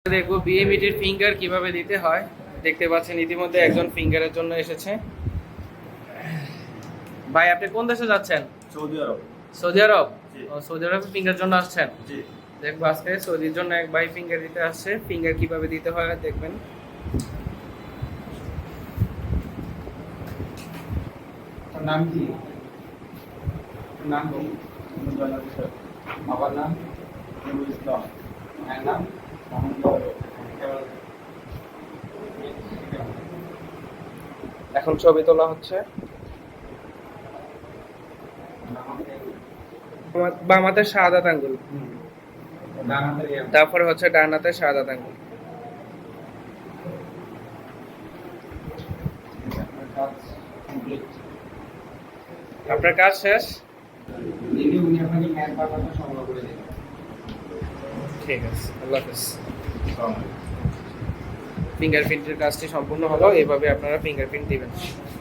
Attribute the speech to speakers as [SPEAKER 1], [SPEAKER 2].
[SPEAKER 1] দেখবো বিএমইটির ফিঙ্গার কিভাবে দিতে হয়। দেখতে পাচ্ছেন ইতিমধ্যে একজন ফিঙ্গারের জন্য এসেছে। ভাই আপনি কোন দেশে যাচ্ছেন?
[SPEAKER 2] Saudi Arab.
[SPEAKER 1] Saudi Arab?
[SPEAKER 2] জি।
[SPEAKER 1] ও সৌদি আরবে ফিঙ্গার জন্য আসছেন?
[SPEAKER 2] জি।
[SPEAKER 1] দেখবো আজকে সৌদির জন্য এক ভাই ফিঙ্গার দিতে আসছে। ফিঙ্গার কিভাবে দিতে হয় দেখবেন।
[SPEAKER 3] নাম কি? নাম কি? বাবার নাম ইসলাম, মায়ের নাম
[SPEAKER 1] এখন ছবি তোলা হচ্ছে। বাম হাতের শাহাদাত আঙ্গুল, তারপরে হচ্ছে ডান হাতের শাহাদাত আঙ্গুল। আপনার কাজ শেষ।
[SPEAKER 3] উনি আপনাকে ম্যাথ বাংলাটা সংগ্রহ করে দেবেন।
[SPEAKER 1] ঠিক আছে, আল্লাহ হাফেজ। ফিঙ্গারপ্রিন্টের কাজটি সম্পূর্ণ হলো। এভাবে আপনারা ফিঙ্গারপ্রিন্ট দিবেন।